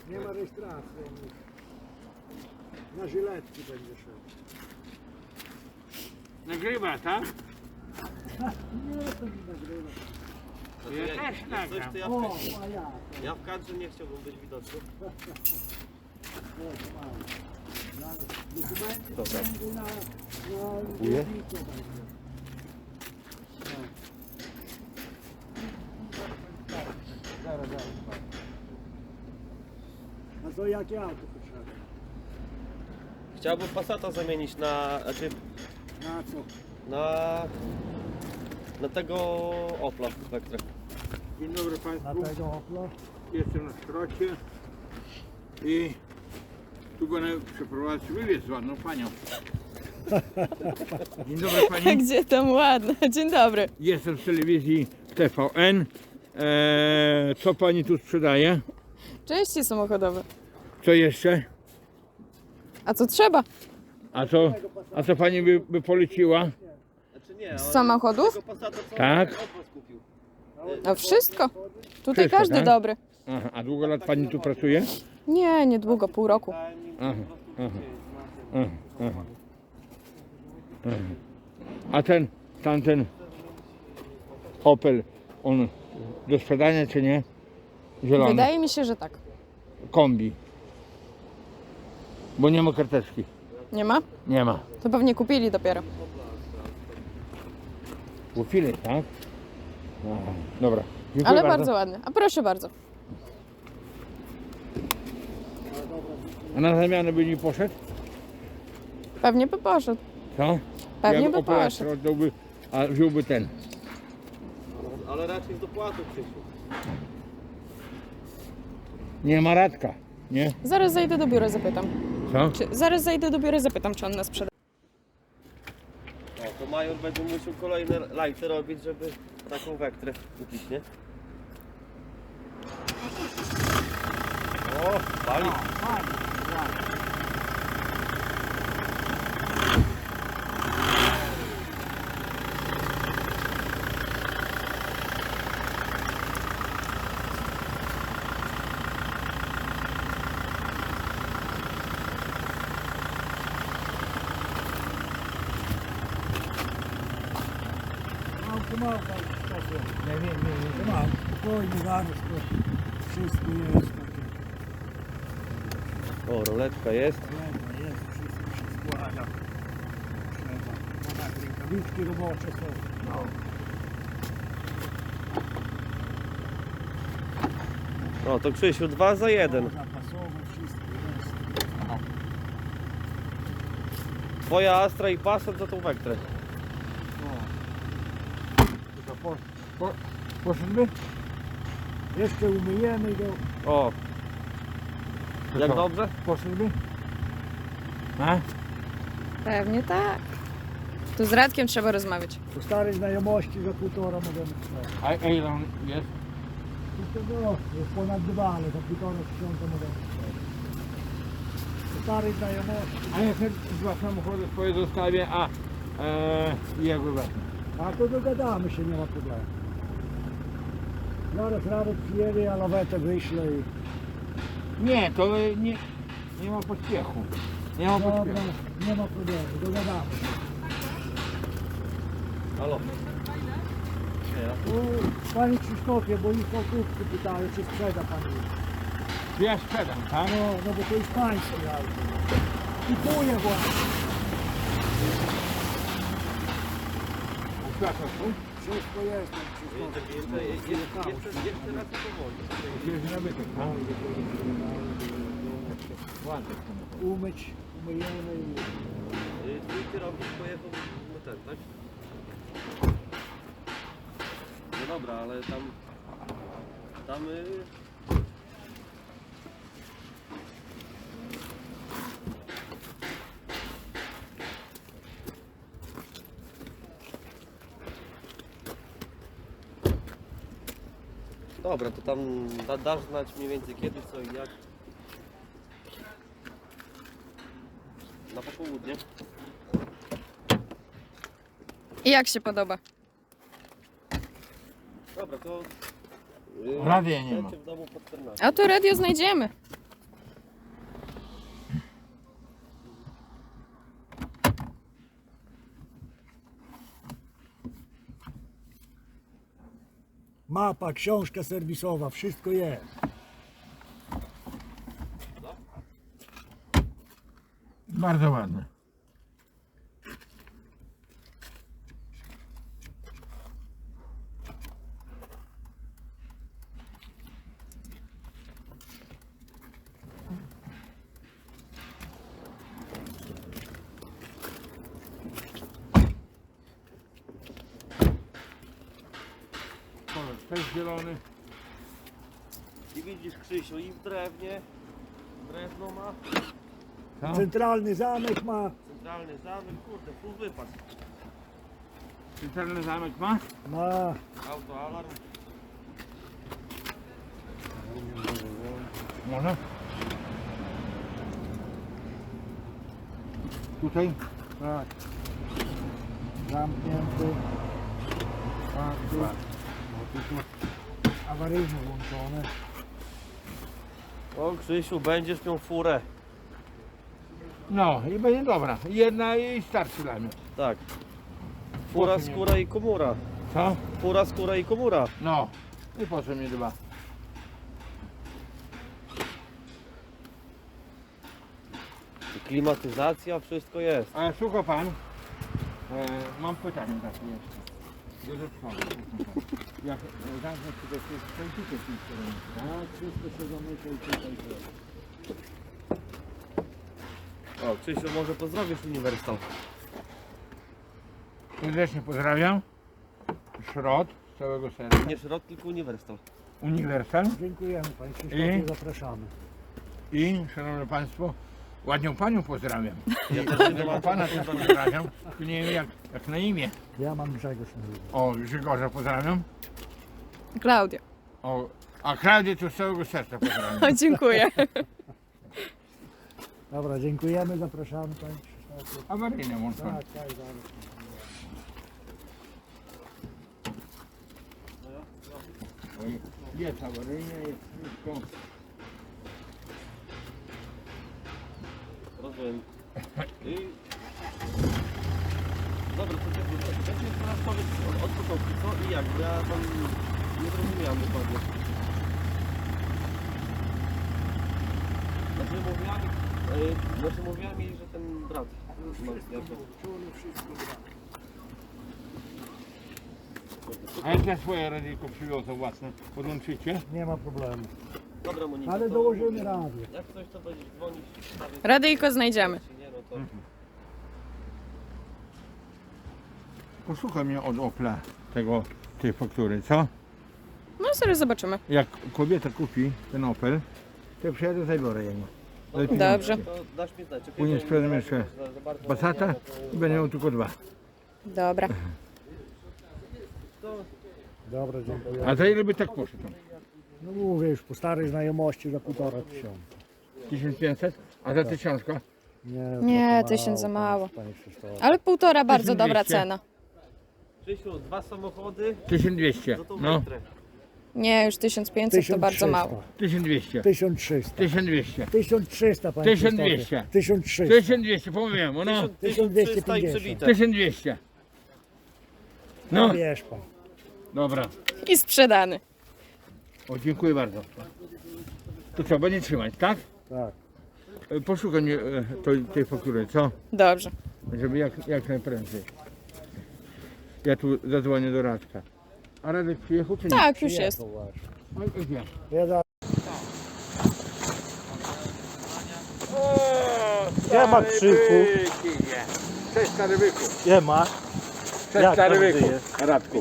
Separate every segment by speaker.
Speaker 1: Nie ma rejestracji. Na żyletki będzie szedł.
Speaker 2: Nagrywa, tak?
Speaker 1: Nie, to nie nagrywa.
Speaker 2: Ja też nagram.
Speaker 3: Coś, to
Speaker 1: O, a ja.
Speaker 3: ja w kadrze nie chciałbym być widoczny.
Speaker 1: Dokumenty
Speaker 3: Dobra.
Speaker 1: będą na
Speaker 3: Nie?
Speaker 1: lotniku będzie. Zaraz. A to jakie auto potrzeba?
Speaker 3: Chciałbym Passata zamienić na, znaczy
Speaker 1: Na co?
Speaker 3: na tego Opla Vectra.
Speaker 2: Dzień dobry
Speaker 1: Na
Speaker 2: Państwu.
Speaker 1: tego Opla?
Speaker 2: Jestem na szrocie i tu będę przeprowadzić wywiad z ładną panią. Dzień dobry Pani.
Speaker 4: Gdzie tam ładne? Dzień dobry.
Speaker 2: Jestem z telewizji TVN. Co Pani tu sprzedaje?
Speaker 4: Części samochodowe.
Speaker 2: Co jeszcze?
Speaker 4: A co trzeba?
Speaker 2: A co Pani by poleciła?
Speaker 3: Znaczy nie,
Speaker 4: Z samochodów?
Speaker 3: tego Passata co
Speaker 2: Tak.
Speaker 3: Opel kupił.
Speaker 4: No wszystko. Tutaj
Speaker 2: Wszystko,
Speaker 4: każdy
Speaker 2: tak?
Speaker 4: dobry.
Speaker 2: Aha, a długo lat Pani tu pracuje?
Speaker 4: Nie, niedługo, pół roku.
Speaker 3: Dałem im
Speaker 2: Aha,
Speaker 3: po prostu
Speaker 2: aha. A tamten Opel, on do sprzedania czy nie? Zielony.
Speaker 4: Wydaje mi się, że tak.
Speaker 2: Kombi. Bo nie ma karteczki.
Speaker 4: Nie ma?
Speaker 2: Nie ma.
Speaker 4: To pewnie kupili dopiero.
Speaker 2: Kupili, tak? Aha, dobra. Dziękuję
Speaker 4: Ale bardzo ładny. A proszę bardzo.
Speaker 2: A na zamianę by nie poszedł?
Speaker 4: Pewnie by poszedł.
Speaker 2: Co?
Speaker 4: Pewnie
Speaker 2: Jak
Speaker 4: by
Speaker 2: Opela
Speaker 4: poszedł.
Speaker 2: sprzedałby, a wziąłby ten.
Speaker 3: Ale raczej z dopłatą Krzysiu.
Speaker 2: Nie ma Radka, nie?
Speaker 4: Zaraz zajdę do biura, zapytam.
Speaker 2: Co?
Speaker 4: Zaraz zajdę do biura, zapytam, czy on nas sprzeda.
Speaker 3: O, to Major będzie musiał kolejne lajty robić, żeby taką Vectrę kupić, nie? O, pali.
Speaker 1: Małka. Nie. Mam. Spokojnie, zaraz to wszystko jest takie.
Speaker 3: O, roletka jest.
Speaker 1: Jest, wszystko się składa. Trzeba. No tak, rękawiczki robocze są.
Speaker 3: O, to Krzysiu, 2 za 1.
Speaker 1: Zapasowe, wszystko jest.
Speaker 3: Twoja Astra i Passat za tą Vectrę.
Speaker 2: Poszedłby?
Speaker 1: Jeszcze umyjemy go.
Speaker 3: O, jak
Speaker 2: co?
Speaker 3: dobrze?
Speaker 2: Poszedłby? A?
Speaker 4: Pewnie tak. Tu z Radkiem trzeba rozmawiać.
Speaker 1: Po starej znajomości za 1,5 możemy sprzedać.
Speaker 2: A ile on jest?
Speaker 1: No, jest ponad 2, ale za 1,5 tysiąca możemy sprzedać. Po starej znajomości.
Speaker 2: A ja sobie dwa samochody swoje zostawię, a jego wezmę.
Speaker 1: A to dogadamy się, nie ma problemu. Zaraz Radek przyjedzie, ja lawetę wyślę i...
Speaker 2: Nie, to nie ma pośpiechu. Nie ma
Speaker 1: Dobra,
Speaker 2: pośpiechu.
Speaker 1: nie ma problemu, dogadamy się.
Speaker 3: Halo.
Speaker 1: Panie Krzysztofie, bo ich o kupcy pytają, czy sprzeda Pan już.
Speaker 2: Ja sprzedam, tak?
Speaker 1: No bo to jest pańskie auto. Kupuję właśnie.
Speaker 2: Światło tu?
Speaker 1: Wszystko jest, Panie Krzysztofie.
Speaker 3: Jeszcze raz powoli.
Speaker 2: Jest nabytek, tak? Ładny samochód.
Speaker 1: Umyjemy i...
Speaker 3: Twój kierownik pojechał na ten, tak? No dobra, ale tam dobra, to tam dasz znać mniej więcej kiedy, co i jak. Na popołudnie.
Speaker 4: I jak się podoba?
Speaker 3: Dobra, to...
Speaker 2: Radia nie ma.
Speaker 3: w domu po 14.
Speaker 4: A tu radio znajdziemy.
Speaker 1: Mapa, książka serwisowa, wszystko jest.
Speaker 2: Bardzo ładne. Kolor też zielony.
Speaker 3: I widzisz, Krzysiu, i w drewnie, drewno ma,
Speaker 2: Co?
Speaker 1: Centralny zamek ma.
Speaker 3: centralny zamek, kurde, full wypas.
Speaker 2: Centralny zamek ma?
Speaker 1: Ma.
Speaker 3: Autoalarm.
Speaker 2: Może? Tutaj?
Speaker 1: Tak. Zamknięty. Tak, tu. Awaryjne włączone.
Speaker 3: O, Krzysiu, będziesz miał furę.
Speaker 2: No i będzie dobra. Jedna i starczy dla mnie.
Speaker 3: Tak. Fura,
Speaker 2: Po co nie?
Speaker 3: skóra i komura.
Speaker 2: Co?
Speaker 3: Fura, skóra i komura.
Speaker 2: No. I po co mi dwa?
Speaker 3: I klimatyzacja, wszystko jest.
Speaker 2: Ale słucha pan, mam pytanie takie jeszcze. Dodatkowe. Jak zamknę się do tych końcówek
Speaker 1: Tak, wszystko się zamyka i tutaj też.
Speaker 3: O, Krzysiu, może pozdrowisz Uniwersal.
Speaker 2: serdecznie pozdrawiam. Szrot z całego serca.
Speaker 3: Nie Szrot, tylko Uniwersal.
Speaker 2: Uniwersal.
Speaker 1: Dziękujemy Panie Krzysztofie, zapraszamy.
Speaker 2: I szanowni państwo, ładnią panią pozdrawiam.
Speaker 3: Ja też
Speaker 2: Tego pana też pozdrawiam. Tu nie wiem jak na imię.
Speaker 1: Ja mam Grzegorz na imię.
Speaker 2: O, Grzegorza pozdrawiam.
Speaker 4: Klaudia.
Speaker 2: O, a Klaudię to z całego serca pozdrawiam.
Speaker 4: O, dziękuję.
Speaker 1: Dobra, dziękujemy, zapraszamy Panie Krzysztofie.
Speaker 2: Awaryjne włączone.
Speaker 1: Tak, tak, zaraz.
Speaker 2: Oj, jest awaryjne, jest wszystko.
Speaker 3: Rozumiem. I... Dobra, to będzie teraz powiedz od początku, co i jak, bo ja tam nie zrozumiałem dokładnie. Znaczy mówiła mi, że ten brat ma jasno.
Speaker 2: A jak ja swoje radyjko przywiozę własne, podłączycie?
Speaker 1: Nie ma problemu.
Speaker 3: Dobra, Monika,
Speaker 1: Ale
Speaker 3: to
Speaker 1: dołożymy radio.
Speaker 3: jak coś, to będziesz dzwonić. stawiać-
Speaker 4: Radyjko znajdziemy.
Speaker 3: Jeśli nie, no to...
Speaker 2: Posłuchaj mnie od Opla tej faktury, co?
Speaker 4: No zaraz zobaczymy.
Speaker 2: Jak kobieta kupi ten Opel, to przyjadę, zabiorę jego.
Speaker 4: Dobrze.
Speaker 3: To dasz mi znać. okej?
Speaker 2: Później
Speaker 3: Bo
Speaker 2: sprzedam
Speaker 3: na
Speaker 2: jeszcze
Speaker 3: razie za bardzo
Speaker 2: Passata
Speaker 3: nie,
Speaker 2: i będę miał tylko dwa.
Speaker 4: Dobra.
Speaker 3: to-
Speaker 1: Dobra, dziękuję.
Speaker 2: A za ile by tak poszedł?
Speaker 1: No mówię już po starej znajomości za 1500.
Speaker 2: 1500? A za 1000?
Speaker 4: Nie,
Speaker 1: to
Speaker 4: 1000 za mało.
Speaker 1: Panie Krzysztofie.
Speaker 4: Ale 1,5 bardzo dobra
Speaker 2: 1200.
Speaker 4: cena.
Speaker 3: Krzysiu, 2 samochody
Speaker 2: 1200.
Speaker 3: za tą
Speaker 2: No,
Speaker 3: metrę.
Speaker 4: Nie, już 1500 to bardzo mało.
Speaker 2: 1200.
Speaker 1: 1300.
Speaker 2: 1200.
Speaker 1: 1300 Panie
Speaker 2: 1200.
Speaker 1: Krzysztofie. 1300.
Speaker 2: 1200, pomówiłem, no.
Speaker 3: 1300 i przebite.
Speaker 2: 1200.
Speaker 1: No
Speaker 2: No,
Speaker 1: wiesz Pan.
Speaker 2: dobra.
Speaker 4: I sprzedany.
Speaker 2: O, dziękuję bardzo. To co, będzie trzymać, tak?
Speaker 1: Tak.
Speaker 2: Poszukaj mnie tej faktury, co?
Speaker 4: Dobrze.
Speaker 2: Żeby jak najprędzej. Ja tu zadzwonię do Radka. A Radek przyjechał czy nie?
Speaker 4: Tak, już jest.
Speaker 1: Przyjechał właśnie.
Speaker 2: No i gdzie?
Speaker 1: Ja za...
Speaker 2: Nie
Speaker 1: ma Krzyku.
Speaker 2: Cześć stary byku.
Speaker 1: Nie ma.
Speaker 2: Cześć
Speaker 1: Jak
Speaker 2: stary
Speaker 1: tam
Speaker 2: byku.
Speaker 1: żyjesz?
Speaker 2: Radku.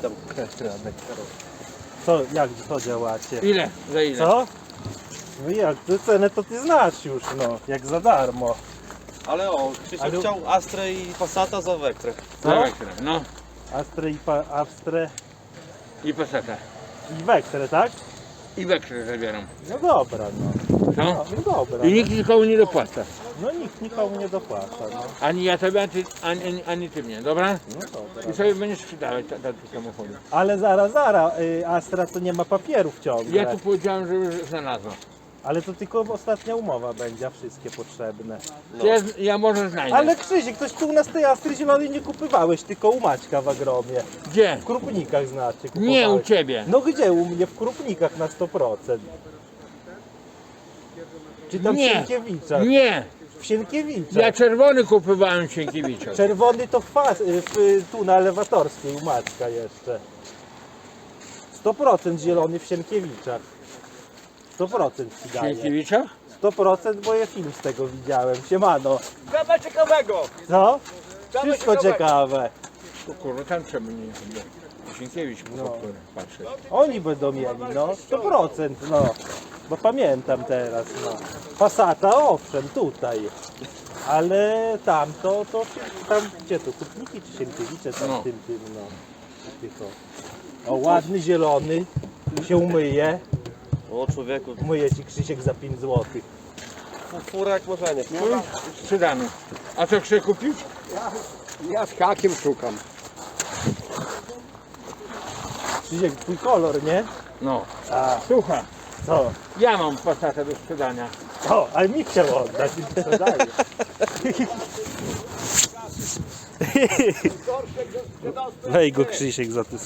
Speaker 5: Co działacie?
Speaker 2: Ile? Za ile?
Speaker 5: Co? No jak, ty cenę to ty znasz już, no, jak za darmo.
Speaker 3: Ale o, Krzysiu
Speaker 5: Ale-
Speaker 3: chciał Astrę i Passata za Vectrę.
Speaker 5: Co?
Speaker 2: Za Vectrę, no.
Speaker 5: Astre
Speaker 2: I Passata.
Speaker 5: i Vectrę, tak?
Speaker 2: I Vectrę zabieram.
Speaker 5: No dobra, no.
Speaker 2: Co?
Speaker 5: No dobra.
Speaker 2: I nikt nikomu nie dopłaca.
Speaker 5: No nikt nikomu nie dopłaca, no.
Speaker 2: Ani ja tobie, ani ty mnie, dobra?
Speaker 5: No dobra.
Speaker 2: I sobie będziesz sprzedawać te samochody.
Speaker 5: Ale zaraz, Astra to nie ma papierów ciągle.
Speaker 2: Ja tu powiedziałem, że już znalazłem.
Speaker 5: Ale to tylko ostatnia umowa będzie, a wszystkie potrzebne.
Speaker 2: Ja może znajdę.
Speaker 5: Ale Krzysiek, ktoś tu u nas tej Astry zielonej nie kupywałeś, tylko u Maćka w agromie.
Speaker 2: Gdzie?
Speaker 5: W Krupnikach znaczy kupowałeś.
Speaker 2: Nie u ciebie.
Speaker 5: No gdzie? U mnie w Krupnikach na 100%. Czy tam w
Speaker 2: Nie.
Speaker 5: Sienkiewiczach?
Speaker 2: Nie.
Speaker 5: W Sienkiewiczach.
Speaker 2: Ja czerwony kupowałem Sienkiewicza.
Speaker 5: Czerwony to tu na Elewatorskiej u Maćka jeszcze. 100% zielony w Sienkiewiczach. 100% ci daje.
Speaker 2: Sienkiewicza?
Speaker 5: 100%, bo ja film z tego widziałem. Siemano.
Speaker 3: Kawa ciekawego!
Speaker 5: Co? Wszystko ciekawe.
Speaker 2: O kurwa, tam trzeba nie chyba. Sienkiewicz mógł patrzeć.
Speaker 5: Oni będą mieli, no. 100%, no. Bo pamiętam teraz, no. Passata, owszem, tutaj. Ale tamto, to tam, gdzie to, Kupniki czy Sienkiewicze, tam
Speaker 2: No.
Speaker 5: tym, no. Tylko. O, ładny, zielony, się umyje.
Speaker 3: O człowieku,
Speaker 5: Umyje ci Krzysiek za 5 zł.
Speaker 3: fura jak marzenie.
Speaker 2: Sprzedany. A co chcesz kupić?
Speaker 3: Ja z hakiem szukam.
Speaker 5: Krzysiek, twój kolor, nie?
Speaker 2: No.
Speaker 5: A,
Speaker 2: Słuchaj,
Speaker 5: co?
Speaker 2: ja mam Passata do sprzedania.
Speaker 5: O, ale mi chciał oddać, mi sprzedaje. Weź go Krzysiek za te